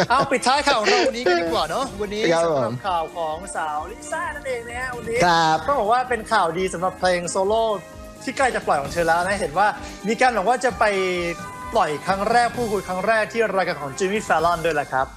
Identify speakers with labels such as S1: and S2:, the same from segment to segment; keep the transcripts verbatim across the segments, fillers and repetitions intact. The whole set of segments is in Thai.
S1: เอาปิดท้ายข่าวเราวันนี้กันดีกว่าเนาะวันนี้สำหรับข่าวของสาวลิซ่านั่นเองนะฮะวันนี้ก็บอกว่าเป็นข่าวดีสำหรับเพลงโซโล่ที่ใกล้จะปล่อยของเธอแล้วนะเห็นว่ามีการบอกว่าจะไปปล่อยครั้งแรกพูดคุยครั้งแรกที่รายการของจิมมี่แฟลลอนด้วยแหละครับ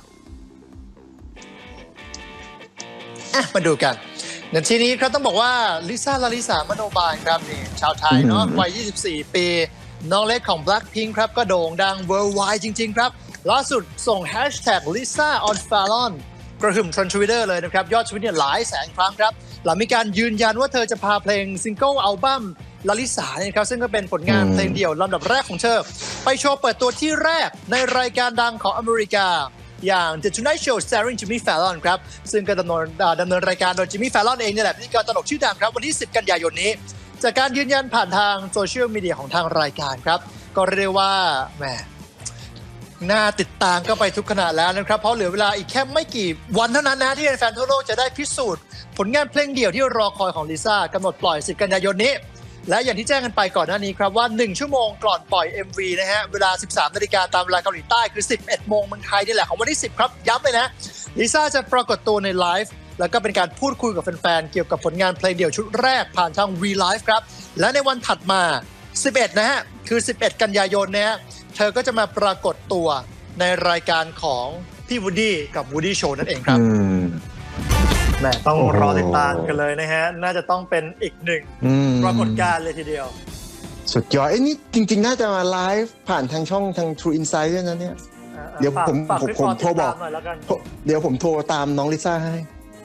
S1: มาดูกันในทีนี้ครับต้องบอกว่าลิซ่าลาลิสามโนบาลครับนี่ชาวไทยเนาะวัยยี่สิบสี่ปีน้องเล็กของ Blackpink ครับก็โด่งดัง worldwide จริงๆครับล่าสุดส่ง hashtag Lisa on Fallon กระหึ่มทรนทวิตเตอร์เลยนะครับยอดทวิตเนี่ยหลายแสนครั้งครับหลังมีการยืนยันว่าเธอจะพาเพลงซิงเกิลอัลบั้มลาลิสาเนี่ยครับซึ่งก็เป็นผลงานเพลงเดี่ยวลำดับแรกของเธอไปโชว์เปิดตัวที่แรกในรายการดังของอเมริกาอย่าง The Tonight Show starring Jimmy Fallon ครับซึ่งก็ดำเนินดำเนินรายการโดย Jimmy Fallon เองนี่แหละพิธีกรตลกชื่อดังครับวันที่สิบกันยายนนี้จากการยืนยันผ่านทางโซเชียลมีเดียของทางรายการครับก็เรียกว่าแหมน่าติดตามก็ไปทุกขณะแล้วนะครับเพราะเหลือเวลาอีกแค่ไม่กี่วันเท่านั้นนะที่แฟนๆทั่วโลกจะได้พิสูจน์ผลงานเพลงเดี่ยวที่รอคอยของลิซ่ากำหนดปล่อยสิบกันยายนนี้และอย่างที่แจ้งกันไปก่อนหน้านี้ครับว่าหนึ่งชั่วโมงก่อนปล่อย เอ็ม วี นะฮะเวลา สิบสามนาฬิกาตามเวลาเกาหลีใต้คือสิบเอ็ดโมงเมืองไทยนี่แหละของวันที่สิบครับย้ำเลยนะลิซ่าจะปรากฏตัวในไลฟ์แล้วก็เป็นการพูดคุยกับแฟนๆเกี่ยวกับผลงานเพลงเดี่ยวชุดแรกผ่านทาง V Live ครับและในวันถัดมาสิบเอ็ดนะฮะคือสิบเอ็ดกันยายนนะฮะเธอก็จะมาปรากฏตัวในรายการของพี่วูดดี้กับวูดดี้โชว์นั่นเองครับแหมต้องรอติดตามกันเลยนะฮะน่าจะต้องเป็นอีกหนึ่งปรากฏการณ์เลยทีเดียว
S2: สุดยอดไอ้นี่จริงๆน่าจะมาไลฟ์ผ่านทางช่องทาง True Insight ด้วยนะเนี่ยเดี๋ยวผมผมผมโทรบอกเดี๋ยวผมโทรตามน้องลิซ่าให้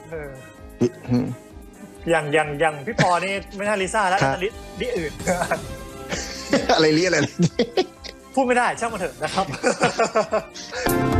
S1: อย่างอย่างอย่างพี่ปอนี่ไม่ใช่ลิซ่าแล้วแต่ลิอื่น
S2: อะไรลิอะไร
S1: พูดไม่ได้ช่างมันเถอะนะครับ